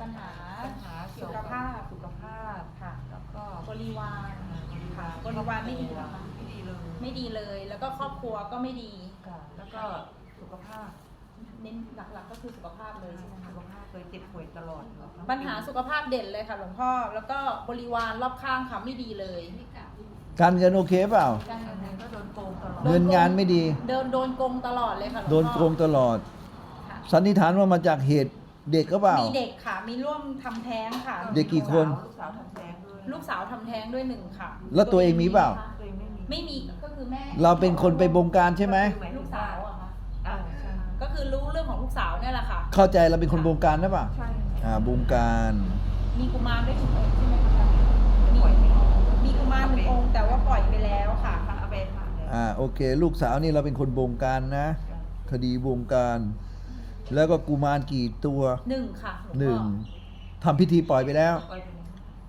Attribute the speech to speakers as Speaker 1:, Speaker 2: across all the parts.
Speaker 1: ญหา
Speaker 2: เกี่
Speaker 1: สุ
Speaker 2: ยว
Speaker 1: ข
Speaker 2: กับ
Speaker 1: ภาพ
Speaker 2: สุขภาพ
Speaker 1: ค่ะ
Speaker 2: แล้วก็
Speaker 1: บริวารค่ะ
Speaker 2: บบ
Speaker 1: ริวารไม่ดีเหรอคะ
Speaker 2: ไม่ดีเลย
Speaker 1: ไม่ดีเลย แล้วก็ครอบครัวก็ไม่ดี
Speaker 2: ค่ะแล้วก็สุขภาพ
Speaker 1: เน้นหลักๆก็คือสุขภาพเลยใช่ไหมคะ
Speaker 2: สุขภาพเคยเจ็บป่วยตลอด
Speaker 1: ปัญหาสุขภาพเด่นเลยค่ะหลวงพ่อ แล้วก็บริวารรอบข้างค่ะไม่ดีเลย
Speaker 3: การเงินโอเคเปล่า
Speaker 1: การเงิน
Speaker 2: ก็โดนโกงตลอด
Speaker 3: เงินงานไม่ดี
Speaker 1: โดนโกงตลอดเลยค่ะหลวงพ่อ
Speaker 3: โดนโกงตลอด
Speaker 1: ค่ะ
Speaker 3: สันนิษฐานว่ามาจากเหตุเด็กก็เปล่า
Speaker 1: มีเด็กค่ะ มีร่วมทำแท้งค่ะ
Speaker 3: เด็กกี่คน
Speaker 2: ลูกสาวทำแท้งด้วย
Speaker 1: ลูกสาวทำแท้งด้วยหนึ่งค่ะ
Speaker 3: แล้วตัวเองมีเปล่า
Speaker 2: ตัวเองไม่มี
Speaker 1: ไม่มีก็คือแม่
Speaker 3: เราเป็นคนไปบงการใช่ไหม
Speaker 1: ลูกสาวอะค่ะ
Speaker 2: ใช่
Speaker 1: ก็คือรู้เรื่องของลูกสาวเนี่ยแหละค่ะ
Speaker 3: เข้าใจเราเป็นคนบงการหรือเปล่า
Speaker 2: ใช่
Speaker 3: บงการ
Speaker 1: มีกุมารด้วยหนึ่งองค์ใช่ไหมคะมีกุมารหนึ่งองค์แต่ว่าปล่อยไปแล้วค่ะ
Speaker 2: เอาไปทานเลย
Speaker 3: โอเค ลูกสาวนี่เราเป็นคนบงการนะ คดีบงการ แล้วก็กุมารกี่ตัว
Speaker 1: หนึ่งค่ะลวงพ่อ
Speaker 3: หนึ่งทำพิธีปล่อยไปแล้ว
Speaker 2: ปล่อยไปเลย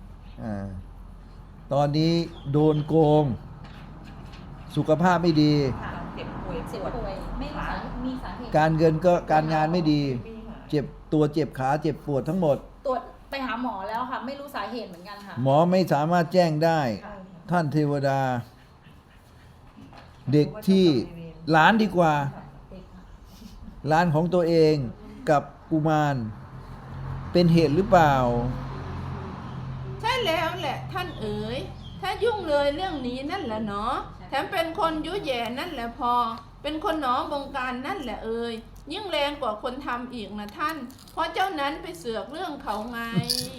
Speaker 3: ตอนนี้โดนโกง สุขภาพไม่ดี
Speaker 1: ค่ะ
Speaker 2: เจ็บป่วย
Speaker 1: เจ็บป่วยไม่รู้สามีสาเหตุ
Speaker 3: การเงินก็การงานไม่ดี
Speaker 2: ปีหา
Speaker 3: เจ็บตัวเจ็บขาเจ็บปวดทั้งหมด
Speaker 1: ตรวจไปหาหมอแล้วค่ะ ไม่รู้สาเหตุเหมือนกันค่ะ
Speaker 3: หมอไม่สามารถแจ้งได้
Speaker 1: ค่ะ
Speaker 3: ท่านเทวดา เด็กที่หลานดีกว่า
Speaker 1: เด็กค่ะ
Speaker 3: หลานของตัวเองกับกุมาร เป็นเหตุหรือเปล่า
Speaker 4: ใช่แล้วแหละท่านเอ๋ยถ้ายุ่งเลยเรื่องนี้นั่นแหละเนาะแถมเป็นคนยุแย่นั่นแหละพอ เป็นคนหนอบงการนั่นแหละเอ๋ยยิ่งแรงกว่าคนทำอีกนะท่าน เพราะเจ้านั้นไปเสือกเรื่องเขาไง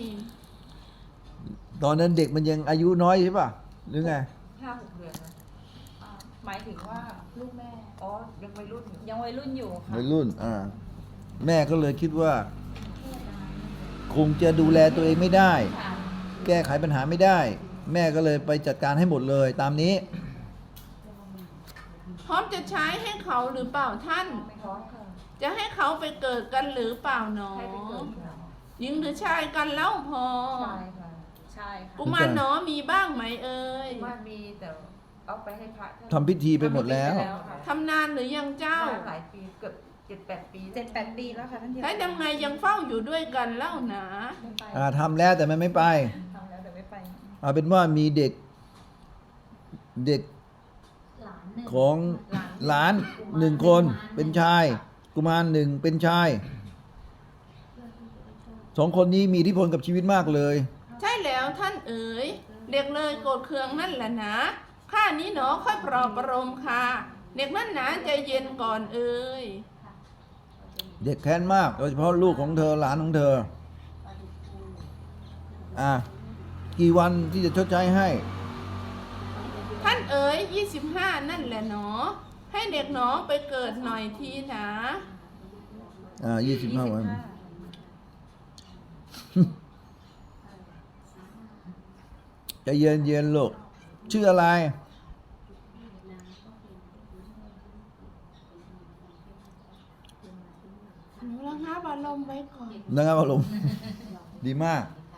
Speaker 3: ตอนนั้นเด็กมันยังอายุน้อยใช่ป่ะ หรือไง
Speaker 2: 5-6 เดือนนะ
Speaker 1: หมายถึงว่าลูกแม่
Speaker 2: อ๋อยังวัยรุ่นอยู่
Speaker 1: ยังวัยรุ่นอยู่ค่ะ
Speaker 3: วัยรุ่น แม่ก็เลยคิดว่า คงจะดูแลตัวเองไม่ได้
Speaker 1: ค่ะ
Speaker 3: แก้ไขปัญหาไม่ได้ แม่ก็เลยไปจัดการให้หมดเลยตามนี้
Speaker 4: พร้อมจะใช้ให้เขาหรือเปล่าท่าน
Speaker 2: ไม่ท้องค่ะ
Speaker 4: จะให้เขาไปเกิดกันหรือเปล่าหนอ
Speaker 2: ให้ไปเกิดค่ะ
Speaker 4: หญิงหรือชายกันเล่าพอ
Speaker 2: ใช่ค่ะ
Speaker 1: ใช่ค่ะ
Speaker 4: กุมารหนอมีบ้างไหมเอ่ย
Speaker 2: ว่ามีแต่เอาไปให้พระท่าน
Speaker 3: ทำพิธีไปหมดแล้ว
Speaker 2: ค่ะ
Speaker 4: ทำนานหรือยังเจ้า
Speaker 2: หลายปีเกือบ7-8 ปี
Speaker 1: 7-8 ปีแล้วค่ะท่านเทวดา
Speaker 4: แล้วทำไงยังเฝ้าอยู่ด้วยกันเล่าหนา
Speaker 1: ไม่ไป
Speaker 3: ทำแล้วแต่มันไม่ไป
Speaker 1: ทำแล้วแต่ไม่ไป
Speaker 3: เอาเป็นว่ามีเด็กของหลานหนึ่งคนเป็นชาย กุมารหนึ่งเป็นชาย สองคนนี้มีอิทธิพลกับชีวิตมากเลย
Speaker 4: ใช่แล้วท่านเอ๋ยเด็กเลยโกรธเคืองนั่นแหละนะข้านี้หนอค่อยปลอบประโลมค่ะ เด็กนั่นหนาใจเย็นก่อนเอ๋ย
Speaker 3: เด็กแค้นมาก โดยเฉพาะลูกของเธอหลานของเธอ กี่วันที่จะชดใช้ให้
Speaker 4: ท่านเอ๋ย25นั่นแหละหนอ ให้เด็กหนอไปเกิดหน่อยทีนะ
Speaker 3: 25 วัน จะเย็นๆลูก ชื่ออะไร
Speaker 4: หนูระงับอารมณ์ไว้ก่อน
Speaker 3: นะครับอารมณ์ ดีมาก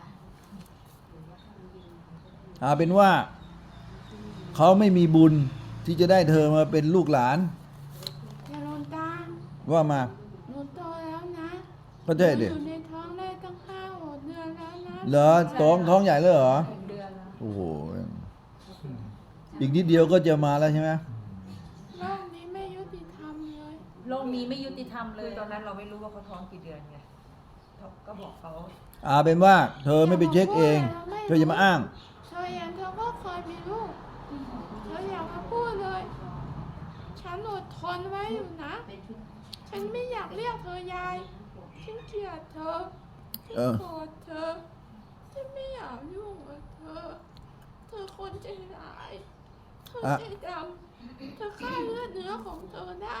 Speaker 3: เป็นว่า เขาไม่มีบุญที่จะได้เธอมาเป็นลูกหลาน
Speaker 4: อย่าลนตา
Speaker 3: ว่ามา
Speaker 4: หนูโตแล้วนะ
Speaker 3: ก็ใช่ดิ
Speaker 4: อยู่ในท้องได้ตั้ง5-6 เดือนแล้วนะ
Speaker 3: เหรอท้องใหญ่เลยเหรอ
Speaker 1: 6 เดือนแล้ว
Speaker 3: โอ้โห อีกนิดเดียวก็จะมาแล้วใช่ไหม
Speaker 4: โลกนี้ไม่ยุติธรรมเลย
Speaker 1: โลกนี้ไม่ยุติธรรมเล
Speaker 2: คือย ตอนนั้นเราไม่รู้ว่าเขาท้องกี่เดือนไงก็บอกเขา
Speaker 3: เป็นว่า เธอไม่ไปเช็คเอง เธออย่ามาอ้าง
Speaker 4: เธออย่างเธอก็เคยมีลูกเธออย่ามาพูดเลย ฉันอดทนไว้อยู่นะ ฉันไม่อยากเรียกเธอยาย ฉันเกลียดเธอ ฉันโกรธเธอ ฉันไม่อยากยุ่งกับเธอ เธอคนใจร้าย เธอใจดำ เธอฆ่าเลือดเนื้อของเธอได้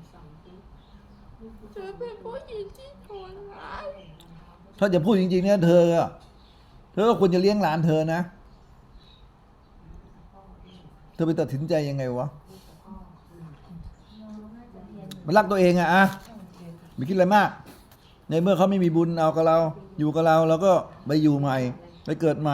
Speaker 4: เธอเป็นผู้หญิงที่โหดร้าย
Speaker 3: ถ้าจะพูดจริงๆเนี่ยเธอก็ควรจะเลี้ยงหลานเธอนะ เธอไปตัดสินใจยังไงวะ มันรักตัวเองไม่คิดอะไรมาก ในเมื่อเขาไม่มีบุญเอากับเรา อยู่กับเราเราก็ไปอยู่ใหม่ ไปเกิดใหม่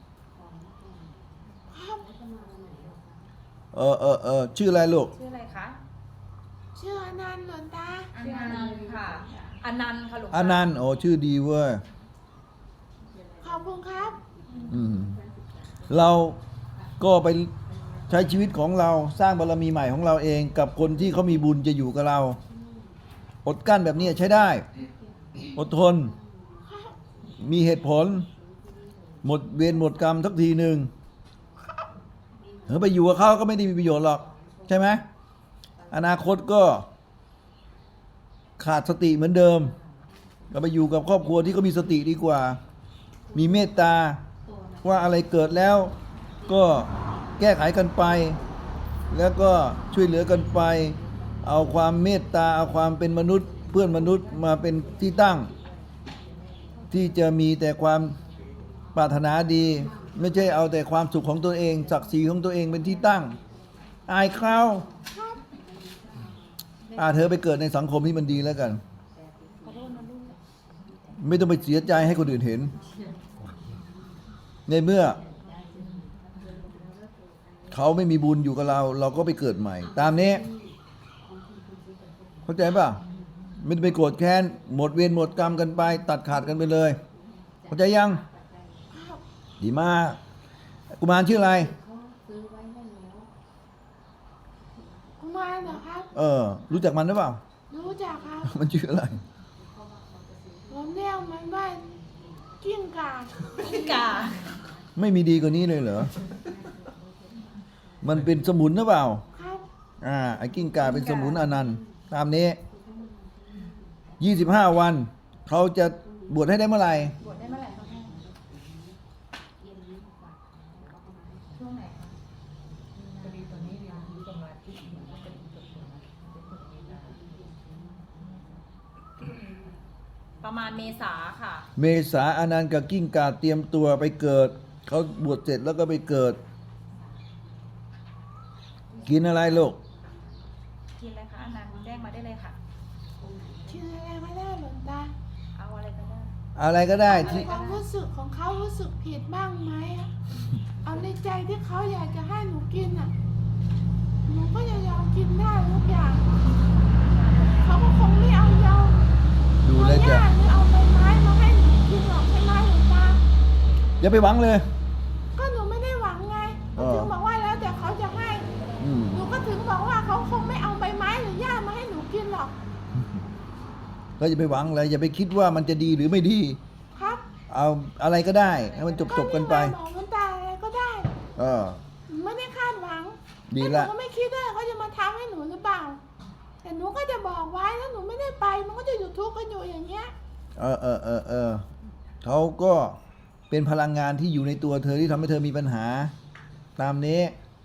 Speaker 3: ชื่ออะไรลูก
Speaker 1: ชื่ออะไรคะ
Speaker 4: เชื่อนันต์หลวงตา
Speaker 1: ชื่ออนันต์ค่ะอนันต์ค่ะหลวง
Speaker 3: อนันต์ ชื่อดีเว้ย
Speaker 4: คุณครับ
Speaker 3: เราก็ไปใช้ชีวิตของเราสร้างบารมีใหม่ของเราเองกับคนที่เขามีบุญจะอยู่กับเรา อดกลั้นแบบนี้ใช้ได้ อดทน มีเหตุผล หมดเวรหมดกรรมสักทีหนึ่งไปอยู่กับเขาก็ไม่ได้มีประโยชน์หรอกใช่ไหมอนาคตก็ขาดสติเหมือนเดิมก็ไปอยู่กับครอบครัวที่เขามีสติดีกว่า มีเมตตาว่าอะไรเกิดแล้วก็แก้ไขกันไป แล้วก็ช่วยเหลือกันไป เอาความเมตตาเอาความเป็นมนุษย์เพื่อนมนุษย์มาเป็นที่ตั้ง ที่จะมีแต่ความปรารถนาดี ไม่ใช่เอาแต่ความสุขของตัวเองศักดิ์ศรีของตัวเองเป็นที่ตั้ง อายเขาเธอไปเกิดในสังคมที่มันดีแล้วกัน ไม่ต้องไปเสียใจให้คนอื่นเห็น ในเมื่อเขาไม่มีบุญอยู่กับเรา เราก็ไปเกิดใหม่ ตามนี้เข้าใจป่ะไม่ต้องไปโกรธแค้นหมดเวรหมดกรรมกันไป ตัดขาดกันไปเลยเข้าใจยังดีมากกุมารชื่ออะไร
Speaker 4: กุมารเหรอครับ
Speaker 3: รู้จักมันหรือเปล่า
Speaker 4: รู้จักครับ
Speaker 3: มันชื่ออะไร
Speaker 4: ผมเรียกมันว่ากิ้งก่า
Speaker 1: กิ้งก่า
Speaker 3: ไม่มีดีกว่านี้เลยเหรอ มันเป็นสมุนหรือเปล่า
Speaker 4: ครับ
Speaker 3: ไอ้กิ้งก่าเป็นสมุนอนันต์ตามนี้25 วัน เขาจะบวชให้ได้เมื่อไหร่
Speaker 1: บวชได้เมื่อไหร่คะพ่อช่วงไหนคะ
Speaker 2: พอดีตอนนี้เรียนรู้สมาธิอยู่ก็จะจบสมาธิ
Speaker 1: ประมาณเมษาค่ะ
Speaker 3: เมษาอนันต์กับกิ้งก่าเตรียมตัวไปเกิด เขาบวชเสร็จแล้วก็ไปเกิด กินอะไรลูก
Speaker 1: กินอะไรคะอนันต์แจ้งมาได้เลยค่ะ
Speaker 4: ชื่ออะไรไม่ได้หลวงตา
Speaker 1: เอาอะไรก็ได้
Speaker 3: อะไรก็ได้
Speaker 4: ใน
Speaker 3: ที่
Speaker 4: ความรู้สึกของเขารู้สึกผิดบ้างไหมอะเอาในใจที่เขาอยากจะให้หนูกินอ่ะ หนูก็จะยอมกินได้ทุกอย่าง เขาก็คงไม่เอายอม
Speaker 3: ดูแลวจะ
Speaker 4: เอาหญ้าหรือเอาใบไม้มาให้หนูกินหรอกใช่ไหมหลวงตา
Speaker 3: อย่าไปหวังเลย
Speaker 4: ก็หนูไม่ได้หวังไง
Speaker 3: เออ
Speaker 4: ถึงบอกว่าแล้วแต่เขาจะให้
Speaker 3: อืม
Speaker 4: หนูก็ถึงบอกว่าเขาคงไม่เอาใบไม้หรือหญ้ามาให้หนูกินหรอก
Speaker 3: ก็อย่าไปหวังอะไรอย่าไปคิดว่ามันจะดีหรือไม่ดี
Speaker 4: ครับ
Speaker 3: เอาอะไรก็ได้ให้มันจบกันไป
Speaker 4: ก็บอกหลวงตาอะไรก็ได้
Speaker 3: เออ
Speaker 4: หนูไม่ได้คาดหวัง
Speaker 3: ดี
Speaker 4: แล้
Speaker 3: ละ
Speaker 4: วหนูก็ไม่คิดด้วยเขาจะมาทำให้หนูหรือเปล่า แต่หนูก็จะบอกไว้ถ้าหนูไม่ได้ไป มันก็จะอยู่ทุกข์กันอยู่อย่างเงี้ย
Speaker 3: เขาก็เป็นพลังงานที่อยู่ในตัวเธอที่ทำให้เธอมีปัญหา ตามนี้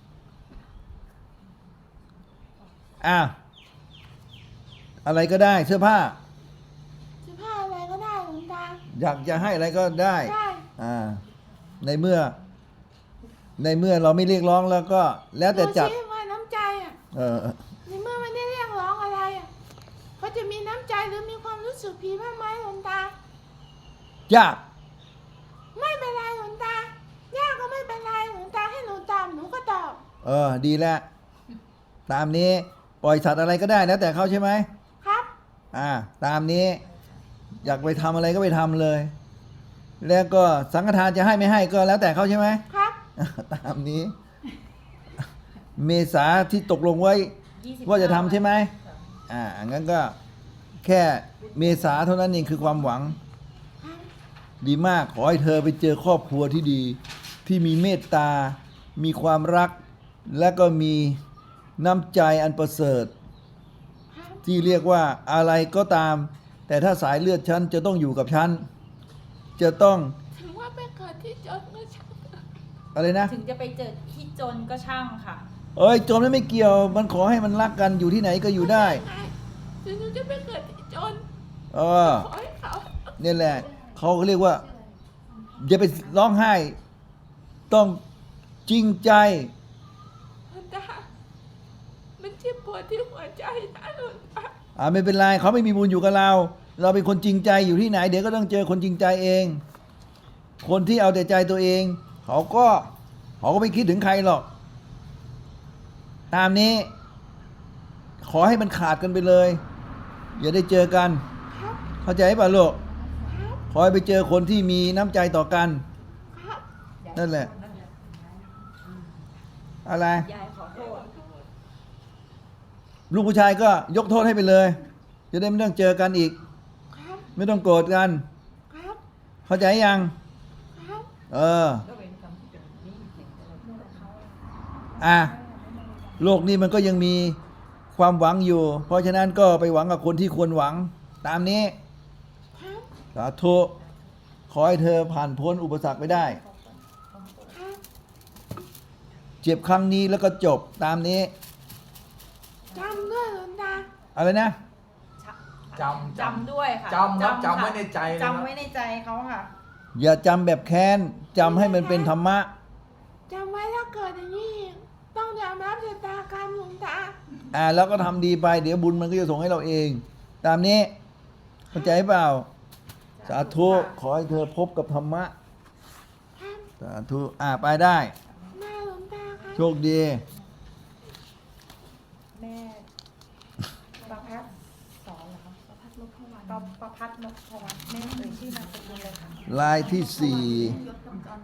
Speaker 3: อะไรก็ได้เสื้อผ้า
Speaker 4: เสื้อผ้าอะไรก็ได้หลวงตา
Speaker 3: อยากจะให้อะไรก็ได้
Speaker 4: ได้
Speaker 3: ในเมื่อเราไม่เรียกร้องแล้วก็ แล้วแต่จัด
Speaker 4: หนูชี้ว่าน้ำใจอ่ะ
Speaker 3: เออ
Speaker 4: ในเมื่อไม่ได้เรียกร้องอะไรอ่ะเขาจะมีน้ำใจหรือมีความรู้สึกผิดบ้างไหมหลวงตา
Speaker 3: ยาก
Speaker 4: ไม่เป็นไรหลวงตายากก็ไม่เป็นไรหลวงตาให้หนูตอบหนูก็ตอบ
Speaker 3: ดีแล้วตามนี้ปล่อยสัตว์อะไรก็ได้แล้วแต่เขาใช่ไหม
Speaker 4: ครับ
Speaker 3: ตามนี้ อยากไปทำอะไรก็ไปทำเลย แล้วก็สังฆทานจะให้ไม่ให้ก็แล้วแต่เขาใช่ไหม
Speaker 4: ครับ
Speaker 3: ตามนี้ เมษาที่ตกลงไว้
Speaker 1: 25
Speaker 3: ว่าจะทำใช่ไหมงั้นก็แค่เมษาเท่านั้นเองคือความหวัง ดีมากขอให้เธอไปเจอครอบครัวที่ดี ที่มีเมตตา มีความรัก และก็มีน้ำใจอันประเสริฐ
Speaker 4: ครับ
Speaker 3: ที่เรียกว่าอะไรก็ตาม แต่ถ้าสายเลือดฉันจะต้องอยู่กับฉัน จะต้อง
Speaker 4: ถึงว่าไปเกิดที่จนก็ช่าง
Speaker 3: อะไรนะ
Speaker 1: ถึงจะไปเจอที่จนก็ช่างค่ะ
Speaker 3: จมแล้วไม่เกี่ยว มันขอให้มันรักกันอยู่ที่ไหนก็อยู่ได้
Speaker 4: ไงถึงหนูจะไปเกิดที่จน
Speaker 3: เออ
Speaker 4: ขอให้เขา
Speaker 3: นี่แหละเขาเรียกว่าอย่าไปร้องไห้ ต้องจริงใจ
Speaker 4: หลวงตามันเจ็บปวดที่หัวใจนะหลวงตา
Speaker 3: ไม่เป็นไรเขาไม่มีบุญอยู่กับเรา เราเป็นคนจริงใจอยู่ที่ไหน เดี๋ยวก็ต้องเจอคนจริงใจเอง คนที่เอาแต่ใจตัวเอง เขาก็ไม่คิดถึงใครหรอก ตามนี้ ขอให้มันขาดกันไปเลย อย่าได้เจอกัน
Speaker 4: ครับ
Speaker 3: เข้าใจป่ะลูก
Speaker 4: ครับ
Speaker 3: ขอให้ไปเจอคนที่มีน้ำใจต่อกัน
Speaker 4: ค
Speaker 3: นั่นแหละ อะไร
Speaker 1: ยายขอโทษ
Speaker 3: ลูกผู้ชายก็ยกโทษให้ไปเลย จะได้ไม่ต้องเจอกันอีก
Speaker 4: ครับ
Speaker 3: ไม่ต้องโกรธกัน
Speaker 4: ครับ
Speaker 3: เข้าใจยัง
Speaker 4: ครับ
Speaker 3: เออ
Speaker 2: ก็เป็นคำที่เป็นหนี้สินอะไร
Speaker 3: อ่ะ โลกนี้มันก็ยังมีความหวังอยู่ เพราะฉะนั้นก็ไปหวังกับคนที่ควรหวัง ตามนี้
Speaker 4: ครับ
Speaker 3: สาธุ ขอให้เธอผ่านพ้นอุปสรรคไปได้
Speaker 4: ครับ
Speaker 3: เจ็บครั้งนี้แล้วก็จบตามนี้
Speaker 4: จำด้วยหลวงตา
Speaker 3: อะไรนะ
Speaker 2: จำ
Speaker 1: ด้วยค่ะ
Speaker 2: จำครับจำไว้ในใจเลยนะ
Speaker 1: จำไว้ในใจเขาค่ะ
Speaker 3: อย่าจำแบบแค้นจำให้มันเป็นธรรมะ
Speaker 4: จำไว้ถ้าเกิดอย่างนี้อีกต้องยอมรับชะตากรรมหลวงตา
Speaker 3: แล้วก็ทำดีไป เดี๋ยวบุญมันก็จะส่งให้เราเอง ตามนี้เข้าใจเปล่า สาธุ ขอให้เธอพบกับธรรมะ
Speaker 4: ครับ
Speaker 3: สาธุ ไปได้
Speaker 4: หน้าหลวงตาครับ
Speaker 3: โชคดี
Speaker 1: แม่ประพัดสอนเหรอคะประพัดนพวรรณประพัดนพวรรณแม่เอ่ยชื่อนามสกุลเลยค่ะ
Speaker 3: ลายที่สี่